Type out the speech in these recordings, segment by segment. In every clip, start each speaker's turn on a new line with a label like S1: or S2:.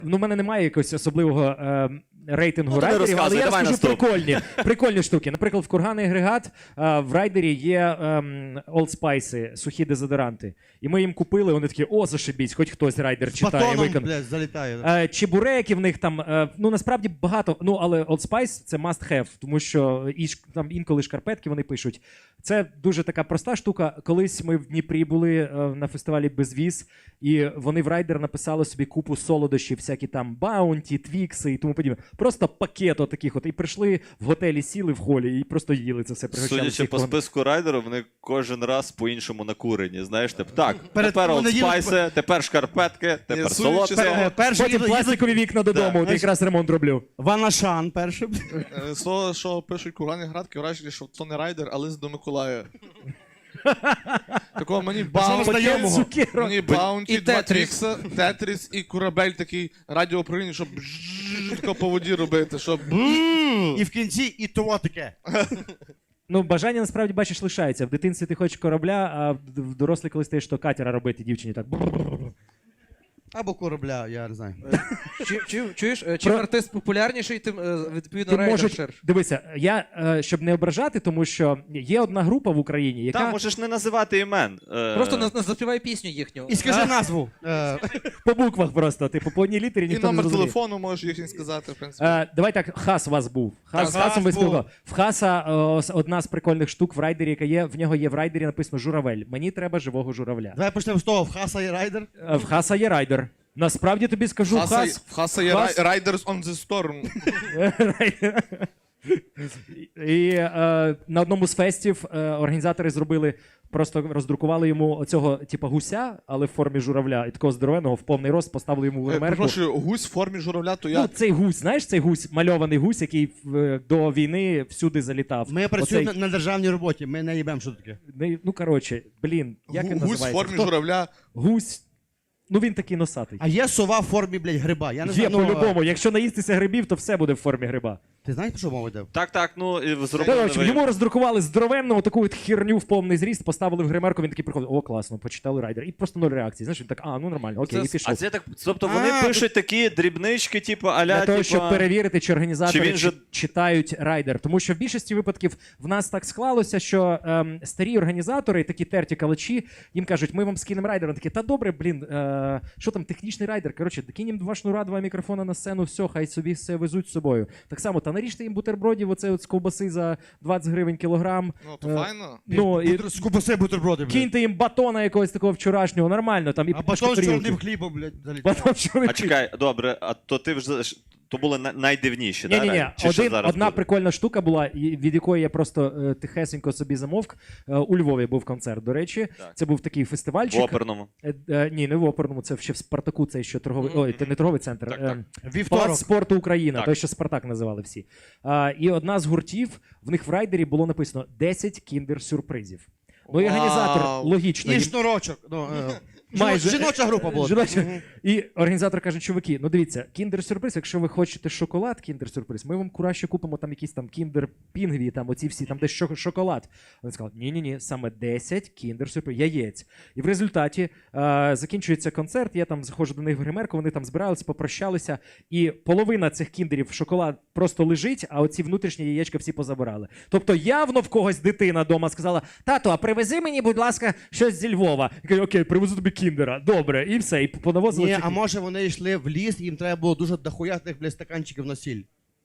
S1: Ну, в мене немає якогось особливого рейтингу
S2: Ну, ти не
S1: райдерів, але
S2: розказуй,
S1: я
S2: давай
S1: розкажу прикольні штуки. Наприклад, в курганний агрегат в райдері є Old Spice, сухі дезодоранти. І ми їм купили, вони такі, о, зашибісь, хоч хтось райдер читає.
S3: Батоном, блядь, залітає.
S1: Чебуреки в них там, ну насправді багато, ну але Old Spice це must have, тому що там інколи шкарпетки вони пишуть. Це дуже така проста штука. Колись ми в Дніпрі були на фестивалі Безвіз, і вони в райдер написали собі купу солодощів, всякі там баунті, твікси і тому подібне. Просто пакет отаких от. І прийшли в готелі, сіли в холі і просто їли це все.
S2: Судячи по списку райдеру, вони кожен раз по-іншому накурені. Знаєш, так, тепер олдспайси, тепер шкарпетки, тепер солодке.
S1: Потім пластикові вікна додому, от якраз ремонт роблю.
S3: Ванашан перший.
S4: З того, що пишуть курганні градки, враження, що то не райдер, а лист до Миколая. Такого мені баунті, два твікса, тетріс і корабель такий радіоуправління, щоб тако по воді робити, щоб...
S3: І в кінці і того таке.
S1: Ну, бажання насправді, бачиш, лишається. В дитинстві ти хочеш корабля, а в дорослі коли стаєш, то катера робити дівчині так.
S3: Або корабля, я не знаю.
S5: Чуєш, чим артист популярніший, тим відповідно райдер ширше.
S1: Дивися, я, щоб не ображати, тому що є одна група в Україні, яка...
S2: Та, можеш не називати імен.
S5: Просто заспівай пісню їхню.
S3: І скажи назву.
S1: По буквах просто, типу, по одній літері
S4: І
S1: ніхто не
S4: номер
S1: зрозуміє.
S4: телефону можеш їхній сказати, в принципі.
S1: Давай так, Хас у вас був. З Хасом ви спілкували. В Хаса одна з прикольних штук в райдері, яка є, в нього є в райдері написано «Журавель». Мені треба живого журавля.
S3: Давай почнемо з того, в Хаса є райдер?
S1: В Хаса є райдер. Насправді тобі скажу,
S4: В Хаса є Riders on the Storm.
S1: І на одному з фестів організатори зробили, просто роздрукували йому оцього типу гуся, але в формі журавля, і такого здоровеного в повний рост поставили йому в гримерку.
S4: Прошу, гусь в формі журавля, то я...
S1: Ну, цей гусь, знаєш, цей гусь, мальований гусь, який до війни всюди залітав.
S3: Ми працюємо на державній роботі, ми не їбемо, що таке.
S1: Ну, коротше, блін, як він називається?
S4: Гусь в формі журавля.
S1: Гусь. Ну він такий носатий.
S3: А є сова в формі, блядь, гриба. Я не
S1: Є
S3: знаю,
S1: по-любому. Якщо наїстися грибів, то все буде в формі гриба.
S3: Ти знаєш, про що мова йде?
S2: Так, ну, і зробили...
S1: Коротше, йому роздрукували здоровенну таку от херню в повний зріст, поставили в гримерку, він такий приходить, о, класно, почитали райдер. І просто нуль реакції. Знаєш, він так, ну нормально, окей, і пішов.
S2: А це так, тобто вони пишуть такі дрібнички, типу, аля,
S1: Для того, щоб перевірити, чи організатори читають райдер. Тому що в більшості випадків в нас так склалося, що старі організатори, такі терті калачі, їм кажуть, ми вам скинемо райдер. Вони такі, та добре, блін, що там, технічний райдер, коротше, кинемо два шнура, два мікрофона на сцену, все, хай собі все везуть з собою. Так само, та наріжте їм бутербродів, оце от з ковбаси за 20 гривень кілограм.
S4: Ну, то файно.
S1: Ну, і
S3: з ковбаси бутерброди, блядь.
S1: киньте їм батона якогось такого вчорашнього, нормально. Там, і
S3: а батон з чорним хлібом, блядь, залітає.
S2: А чекай, добре, а то ти вже... То були найдивніші, так?
S1: Ні, одна прикольна штука була, від якої я просто тихесенько собі замовк. У Львові був концерт, до речі. Так. Це був такий фестивальчик.
S2: В оперному?
S1: Ні, не в оперному, це ще в Спартаку, це ще торговий, ой, не торговий центр.
S3: Вівторок.
S1: Палац спорту Україна, той, що Спартак називали всі. І одна з гуртів, в них в райдері було написано 10 кіндер-сюрпризів. Ну і організатор, логічно.
S3: І шнурочок.
S1: Майже.
S3: Жіноча група була.
S1: І організатор каже, чуваки, ну дивіться, кіндер-сюрприз, якщо ви хочете шоколад, кіндер-сюрприз, ми вам краще купимо там якісь там кіндер-пінгві, там оці всі, там десь шоколад. Вони сказали, ні, саме 10 кіндер-сюрприз, яєць. І в результаті закінчується концерт, я там заходжу до них в гримерку, вони там збиралися, попрощалися, і половина цих кіндерів шоколад просто лежить, а оці внутрішні яєчка всі позабирали. Тобто явно в когось дитина дома сказала, тато, а привези мені, будь ласка, щось зі Львова. Я кажу, окей, привезу тобі кіндера, добре, і все, і понавозили.
S3: Ні, а може вони йшли в ліс, їм треба було дуже дохуя тих, блядь, стаканчиків на сіль.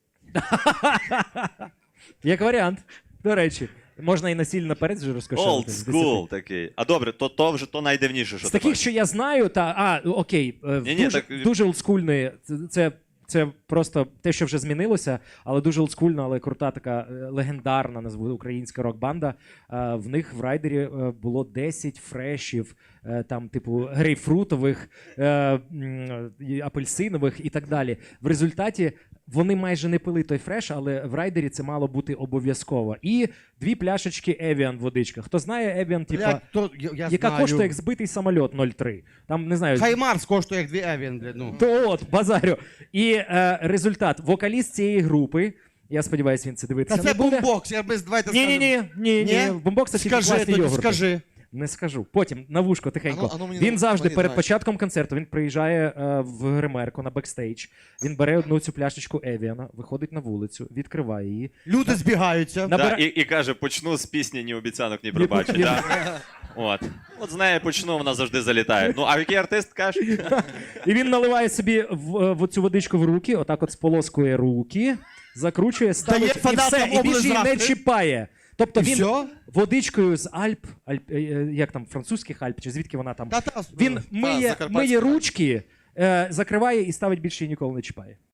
S1: Як варіант, до речі. Можна і на сіль наперед вже розкошелити.
S2: Old school такий. А добре, то вже то найдивніше, що
S1: з таких, що я знаю, окей, дуже олдскульний, це просто те, що вже змінилося, але дуже олдскульна, але крута така легендарна, назву, українська рок-банда. В них в райдері було 10 фрешів, там, типу, грейпфрутових, апельсинових і так далі. В результаті вони майже не пили той фреш, але в райдері це мало бути обов'язково. І 2 пляшечки Evian водичка. Хто знає Evian, типа, яка коштує як збитий самоліт 0,3. Там, не знаю...
S3: Хай Марс коштує як 2 Evian, блядь, ну.
S1: То от, базарю. І результат. Вокаліст цієї групи, я сподіваюся, він це дивиться.
S3: Та це бумбокс, я без давайте
S1: скажу. Ні, бумбокс це тільки класні йогурти.
S3: Скажи.
S1: Не скажу. Потім на вушко тихенько.
S4: Ану, мені
S1: Він завжди
S4: мені
S1: перед
S4: знаєш.
S1: початком концерту він приїжджає в гримерку на бекстейдж. Він бере одну цю пляшечку Евіана, виходить на вулицю, відкриває її.
S3: Люди збігаються.
S1: На-
S2: Да, і каже, почну з пісні «Ні обіцянок, ні пробачень». Да. От з неї почну, вона завжди залітає. Ну, а який артист, кажеш?
S1: І він наливає собі в цю водичку в руки, отак от сполоскує руки, закручує, ставить і
S3: фанатам
S1: все, і більше її не
S3: облизати.
S1: чіпає. Тобто
S3: І
S1: він
S3: все?
S1: водичкою з Альп, як там, французьких Альп, чи звідки вона там,
S3: Та-та.
S1: він
S4: Закарпатська.
S1: миє ручки, закриває і ставить більше її ніколи не чіпає.